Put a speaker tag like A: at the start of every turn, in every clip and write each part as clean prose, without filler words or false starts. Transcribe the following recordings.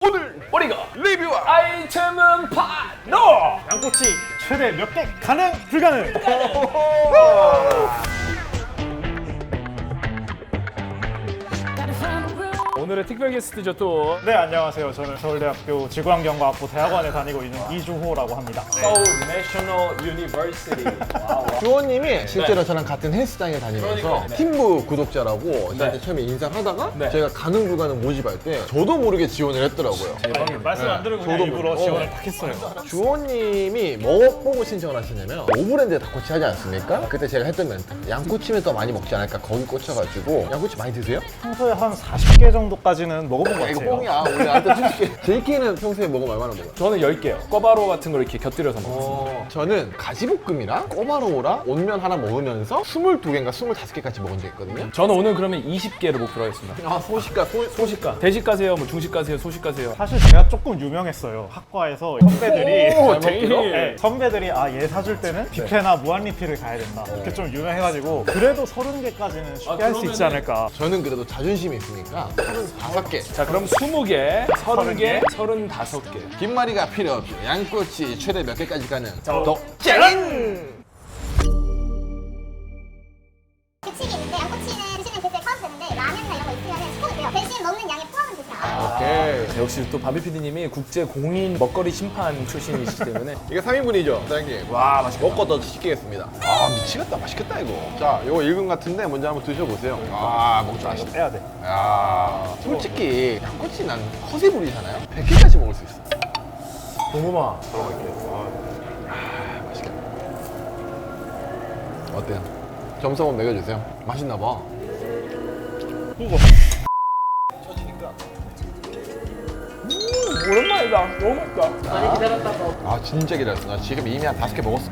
A: 오늘 우리가 리뷰할
B: 아이템은 바로
C: 양꼬치 최대 몇 개 가능 불가능.
B: 오늘의 특별 게스트죠 또
C: 네, 안녕하세요. 저는 서울대학교 지구환경과학부 대학원에 다니고 있는 이주호라고 합니다.
B: 서울 내셔널 유니버시티.
D: 주호님이 실제로 저랑 같은 헬스장에 다니면서
B: 그러니까요. 네.
D: 팀부 구독자라고 저한테 처음에 인사하다가
B: 네.
D: 제가 가능 불가능 모집할 때 저도 모르게 지원을 했더라고요.
C: 말씀 안 드리고 그냥
D: 저도
C: 일부러
D: 모르고.
C: 지원을 딱 했어요.
D: 주호님이 뭐 보고 신청을 하시냐면 오브랜드에 닭꼬치 하지 않습니까? 그때 제가 했던 멘트 양꼬치면 더 많이 먹지 않을까 거기 꽂혀가지고 양꼬치 많이 드세요?
C: 평소에 한 40개 정도까지는 먹어본 것
D: 이거
C: 같아요.
D: 뽕이야 우리 나한테 솔직히 JK는 평소에 먹으면 얼마나 먹어요?
B: 저는 10개요. 꿔바로 같은 걸 이렇게 곁들여서 먹었습니다.
D: 저는 가지볶음이랑 꼬마로우랑 온면 하나 먹으면서 22개인가 25개까지 먹은 적 있거든요.
B: 저는 오늘 그러면 20개를 목표로 하겠습니다.
D: 아 소식가
B: 소식가. 대식 가세요, 뭐 중식 가세요, 소식 가세요.
C: 사실 제가 조금 유명했어요. 학과에서 선배들이
D: 오,
B: 잘 먹기로?
C: 네, 선배들이 얘 사줄 때는 뷔페나 무한리필을 가야 된다. 이렇게 좀 유명해가지고 그래도 30개까지는 쉽게 할 수 있지
B: 그러면은-
C: 않을까.
D: 저는 그래도 자존심이 있으니까 35개.
B: 자, 그럼 20개, 30개, 35개.
D: 김말이가 필요 없죠. 양꼬치 최대 몇 개까지 가는
B: 자,
D: 짠!
E: 규칙이 있는데 양꼬치는 드시는 그때 카운트 되는데 라면이나 이런 거 있으면 스포도 돼요. 대신 먹는 양의 포함은 되지 않아요.
D: 오케이.
B: 역시 또 바비 PD님이 국제 공인 먹거리 심판 출신이시기 때문에
D: 이게 3인분이죠, 사장님.
B: 와, 맛있겠다.
D: 먹고 더 시키겠습니다. 아, 미치겠다. 맛있겠다, 이거. 자, 이거 1금 같은데 먼저 한번 드셔보세요. 아, 먹지 마시다.
C: 해야 돼.
D: 야, 솔직히 양꼬치 난 허세 부리잖아요? 100개까지 먹을 수 있어.
B: 고구마.
D: 맛있겠다. 어때요? 점수 한번 매겨주세요. 맛있나 봐.
B: 오랜만이다. 너무 맛있다.
F: 많이 기다렸다고.
D: 아, 진짜 기다렸어. 나 지금 이미 한 5개 먹었어.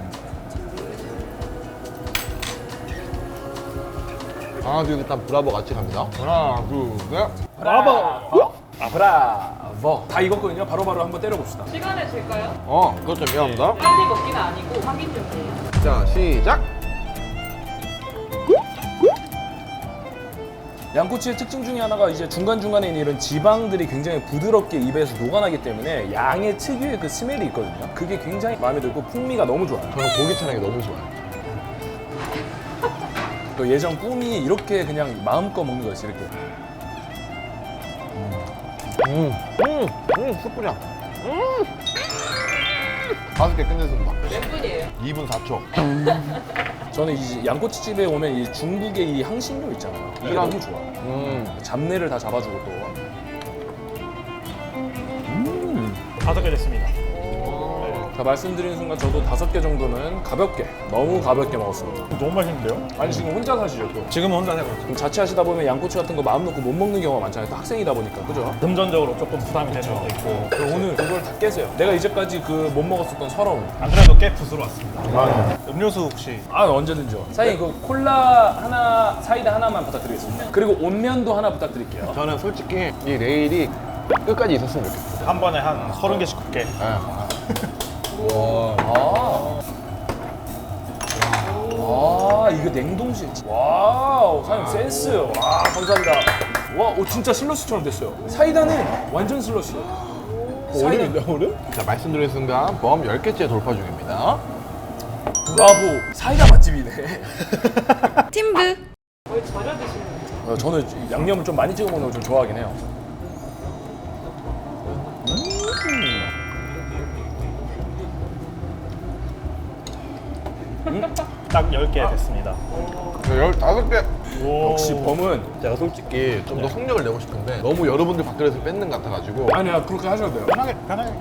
D: 하나, 둘, 일단 브라보 같이 갑니다. 하나, 둘, 셋.
B: 브라보. 브라보. 다 익었거든요. 바로바로 한번 때려봅시다.
F: 시간을 줄까요?
D: 그것 좀 미안합니다.
F: 빨리 먹기는 아니고 확인 중이에요.
D: 자, 시작.
B: 양꼬치의 특징 중에 하나가 이제 중간중간에 있는 이런 지방들이 굉장히 부드럽게 입에서 녹아나기 때문에 양의 특유의 그 스멜이 있거든요. 그게 굉장히 마음에 들고 풍미가 너무 좋아요.
D: 저는 고기 차량이 너무 좋아요.
B: 또 예전 꿈이 이렇게 그냥 마음껏 먹는 거였어요. 이렇게.
D: 숯불이야. 5개 끝냈습니다.
F: 몇 분이에요?
D: 2분 4초.
B: 저는 이 양꼬치집에 오면 이 중국의 이 향신료 있잖아요. 이게
D: 그럼.
B: 너무 좋아. 잡내를 다 잡아주고 또.
C: 5개 됐습니다.
B: 자, 말씀드리는 순간 저도 5개 정도는 가볍게, 너무 가볍게 먹었습니다.
C: 너무 맛있는데요?
B: 아니 지금 혼자 사시죠 또?
C: 지금은 혼자 살고 있어요.
B: 그럼 자취하시다 보면 양꼬치 같은 거 마음 놓고 못 먹는 경우가 많잖아요. 또 학생이다 보니까, 그죠?
C: 금전적으로 조금 부담이 되는 것도 있고.
B: 그럼 오늘 그걸 다 깨세요. 내가 이제까지 그 못 먹었었던 서러움.
C: 안 그래도 꽤 붓으로 왔습니다. 음료수 혹시
B: 아, 언제든지요. 사장님 그 콜라 하나, 사이다 하나만 부탁드리겠습니다. 그리고 온면도 하나 부탁드릴게요.
D: 저는 솔직히 이 레일이 끝까지 있었으면 좋겠어요.
C: 한 번에 한 30개씩 굽게.
B: 아, 이거 냉동실. 와우, 사장님 센스. 와, 감사합니다. 와, 진짜 슬러시처럼 됐어요. 사이다는 완전 슬러시.
D: 얼음인데, 얼음? 자, 말씀드린 순간 범 10개째 돌파 중입니다.
B: 브라보. 사이다 맛집이네.
F: 거의 절여 드시는 거예요.
B: 저는 양념을 좀 많이 찍어 먹는 걸 좀 좋아하긴 해요.
C: 딱 10개 됐습니다.
D: 15개.
B: 역시 범은
D: 제가 솔직히 좀 더 속력을 내고 싶은데 너무 여러분들 밖에서 뺏는 것 같아가지고
B: 아니야, 그렇게 하셔도 돼요.
C: 편하게.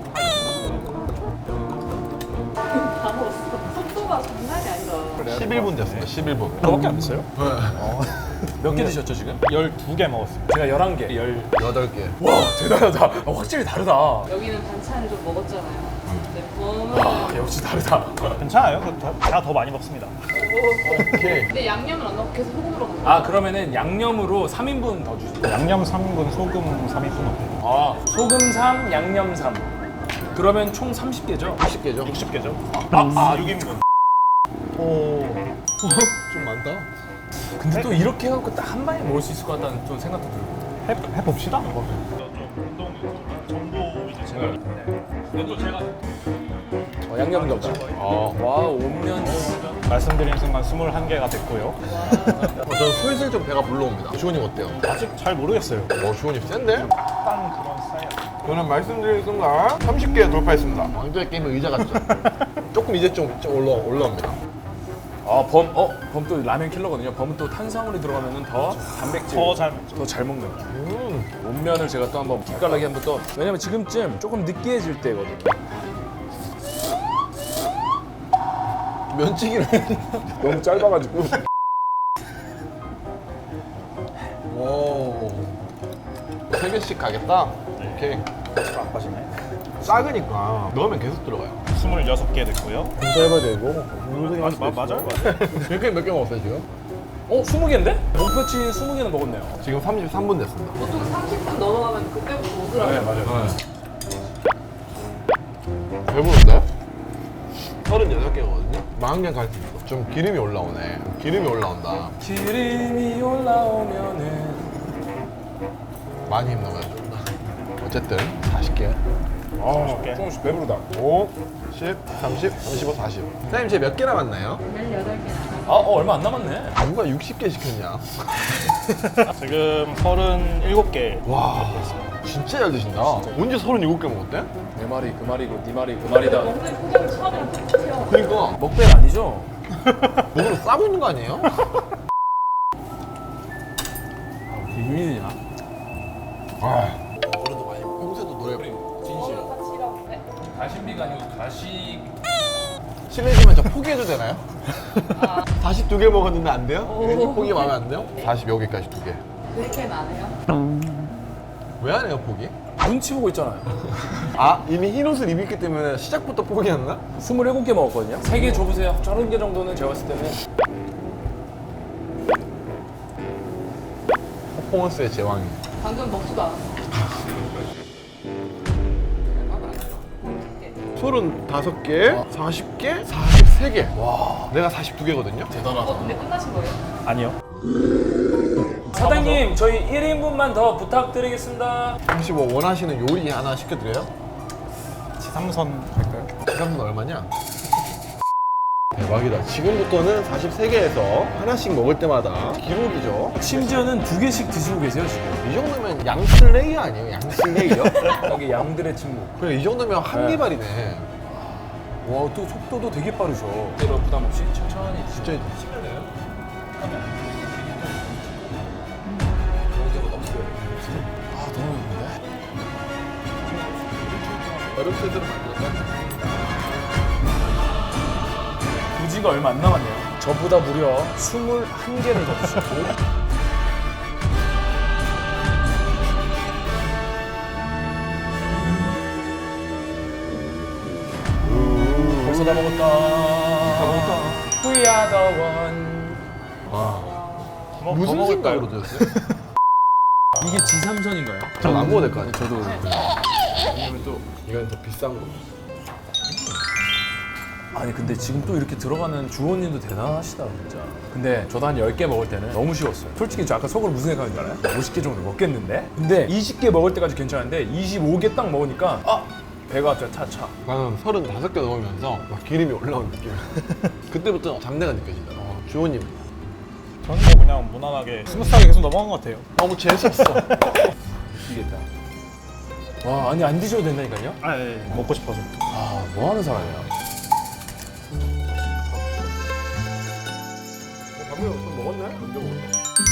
F: 다 먹었어. 속도가 장난이 아니다.
D: 11분 됐습니다. 11분.
B: 그거밖에 안 됐어요? 몇 개 드셨죠 지금?
C: 12개 먹었습니다.
B: 제가 11개.
D: 8개.
B: 와, 대단하다. 확실히 다르다.
F: 여기는 반찬을 좀 먹었잖아요. 근데 범은
B: 아, 역시 다르다.
C: 괜찮아요. 제가 더 많이 먹습니다.
D: 오케이.
F: 근데 양념을 안 넣고 계속 소금으로 먹는
B: 아, 그러면은 양념으로 3인분 더 주세요.
C: 양념 3인분, 소금 3인분 어때요?
B: 아, 소금 3, 양념 3. 그러면 총 30개죠?
D: 10개죠?
C: 60개죠? 6인분. 오.
D: 좀 많다.
B: 근데 또 이렇게 해갖고 딱 한 방에 먹을 수 있을 것 같다는 좀 생각도 들고.
C: 해봅시다. 좀 운동 정보
B: 양념 감자. 와, 온면.
C: 말씀드린 순간 21개가 됐고요.
D: 저는 슬슬 좀 배가 불러옵니다. 주원님 어때요?
C: 아직 잘 모르겠어요.
D: 주원님 센데?
C: 딱 그런 스타일.
D: 저는 말씀드린 순간 30개 돌파했습니다. 왕좌의 게임은 의자 같죠? 조금 이제 좀 올라옵니다.
B: 범 또 라면 킬러거든요. 범은 또 탄수화물이 들어가면 더 단백질
C: 더 잘
B: 먹는. 온면을 제가 또 한번 기깔나게 한번 또, 왜냐면 지금쯤 조금 느끼해질 때거든요.
D: 면치기를
B: 너무 짧아가지고.
D: 오. 3개씩 가겠다? 오케이.
C: 안 빠지네.
D: 작으니까 넣으면 계속 들어가요.
C: 26개 됐고요.
D: 짧아야 되고.
C: 맞아요?
D: 몇 개 먹었어요 지금?
B: 20개인데? 목표치 20개는 먹었네요.
D: 지금 33분 됐습니다.
F: 보통 30분 넘어가면 그때부터 오더라고요.
B: 맞아요.
D: 배부른데? 36개거든요? 40개 갈 수 있어. 좀 기름이 올라오네. 기름이 올라온다.
B: 기름이 올라오면은.
D: 많이 힘나가야 된다. 어쨌든 40개.
B: 조금씩 배부르다.
D: 5, 10, 30, 35, 40. 사장님 제 몇 개 남았나요?
F: 18개.
B: 얼마 안 남았네.
D: 누가 60개 시켰냐?
C: 지금 37개.
D: 와, 진짜 잘 드신다. 언제 37개 먹었대?
B: 내 말이 그 말이고 네 말이 그 말이다.
F: 먹는 표정이 처음이랑 똑같아요.
D: 그러니까
B: 먹배 아니죠?
D: 먹으러 싸고 있는 거 아니에요?
B: 비밀이야.
D: 어른도 많이 평소에도 노래
F: 진실. 같이 일하는데.
B: 가심비가 아니고 가시.
D: 실례지만 저 포기해도 되나요? 42개 먹었는데 안 돼요? 포기 마음에 안 돼요? 40여 개까지 2개.
F: 그렇게는 안 해요.
D: 왜 안 해요 포기?
B: 눈치 보고 있잖아요.
D: 아 이미 흰 옷을 입었기 때문에 시작부터 포기했나?
B: 27개 먹었거든요. 3개 줘보세요. 30개 정도는 제가 봤을 때는.
D: 퍼포먼스의 제왕이.
F: 방금 먹지도 않았어.
D: 35개, 40개, 43개. 와, 내가 42개거든요.
B: 대단하다.
F: 근데 끝나신 거예요?
C: 아니요.
B: 사장님, 저희 1인분만 더 부탁드리겠습니다.
D: 혹시 뭐 원하시는 요리 하나 시켜드려요?
C: 지삼선 할까요?
D: 지갑은 얼마냐? 대박이다. 지금부터는 43개에서 하나씩 먹을 때마다 기록이죠.
B: 심지어는 2개씩 드시고 계세요, 지금.
D: 이 정도면 양슬레이어 아니에요? 양슬레이어?
B: 여기 양들의 침묵.
D: 그래 이 정도면 한니발이네.
B: 와, 또 속도도 되게 빠르죠. 때로 부담 없이 천천히 드시죠.
D: 진짜
B: 아, 너무 좋은데?
D: 어렵게들 만들었다.
B: 부지가 얼마 안 남았네요. 저보다 무려 21개를 더 드시고. 벌써 다 먹었다. We are the one.
D: 무슨
C: 먹을까요?
D: 생각으로 드셨어요?
B: 이게 지삼선인가요?
D: 전 안 먹어도 될 것 같아요.
B: 저도.
D: 왜냐면 또 이건 더 비싼 거.
B: 아니 근데 지금 또 이렇게 들어가는 주원님도 대단하시다 진짜. 근데 저도 한 10개 먹을 때는 너무 쉬웠어요. 솔직히 저 아까 속으로 무슨 생각인 줄 알아요? 50개 정도 먹겠는데? 근데 20개 먹을 때까지 괜찮은데 25개 딱 먹으니까 배가 진짜 차차.
D: 나는 35개 넘으면서 막 기름이 올라오는 느낌. 그때부터 잡내가 느껴진다. 주호님
C: 저는 뭐 그냥 무난하게 스무스하게 계속 넘어간 것 같아요.
D: 너무 재수없어.
B: 미치겠다. 와 아니 안 드셔도 된다니까요?
C: 먹고 싶어서.
B: 뭐 하는 사람이야?
D: 밥을 좀 먹었네? 언제 먹었네?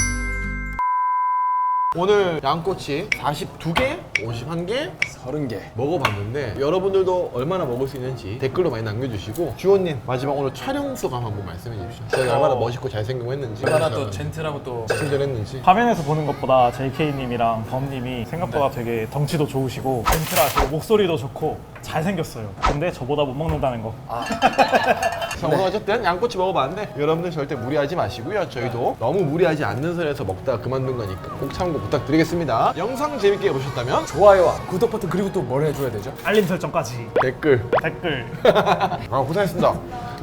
D: 오늘 양꼬치 42개, 51개
B: 30개.
D: 먹어봤는데 여러분들도 얼마나 먹을 수 있는지 댓글로 많이 남겨주시고 주호님 마지막 오늘 촬영 소감 한번 말씀해 주십시오. 제가 얼마나 멋있고 잘생기고 했는지
B: 얼마나 또 젠틀하고 또
D: 친절했는지.
C: 화면에서 보는 것보다 JK님이랑 범님이 생각보다 되게 덩치도 좋으시고 젠틀하시고 목소리도 좋고 잘생겼어요. 근데 저보다 못 먹는다는 거.
D: 자, 오늘 어쨌든 양꼬치 먹어봤는데 여러분들 절대 무리하지 마시고요. 저희도 너무 무리하지 않는 선에서 먹다가 그만둔 거니까 꼭 참고 부탁드리겠습니다. 영상 재밌게 보셨다면
B: 좋아요와 구독 버튼 그리고 또 뭘 해줘야 되죠?
C: 알림 설정까지.
D: 댓글.
C: 댓글.
D: 고생했습니다.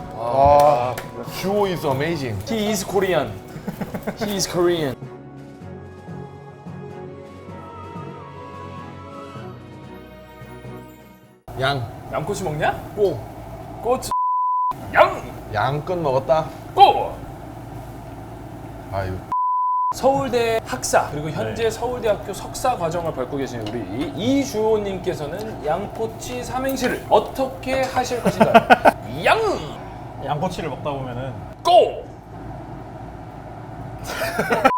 D: 주호 is amazing.
B: He is Korean. He is Korean.
D: 양.
B: 양꼬치 먹냐?
D: 꼬.
B: 꼬치. 양.
D: 양껏 먹었다.
B: 꼬.
D: 아유.
B: 서울대 학사 그리고 현재 서울대학교 석사 과정을 밟고 계신 우리 이주호님께서는 양꼬치 삼행시를 어떻게 하실 것인가요? 양.
C: 양꼬치를 먹다 보면은
B: 꼬.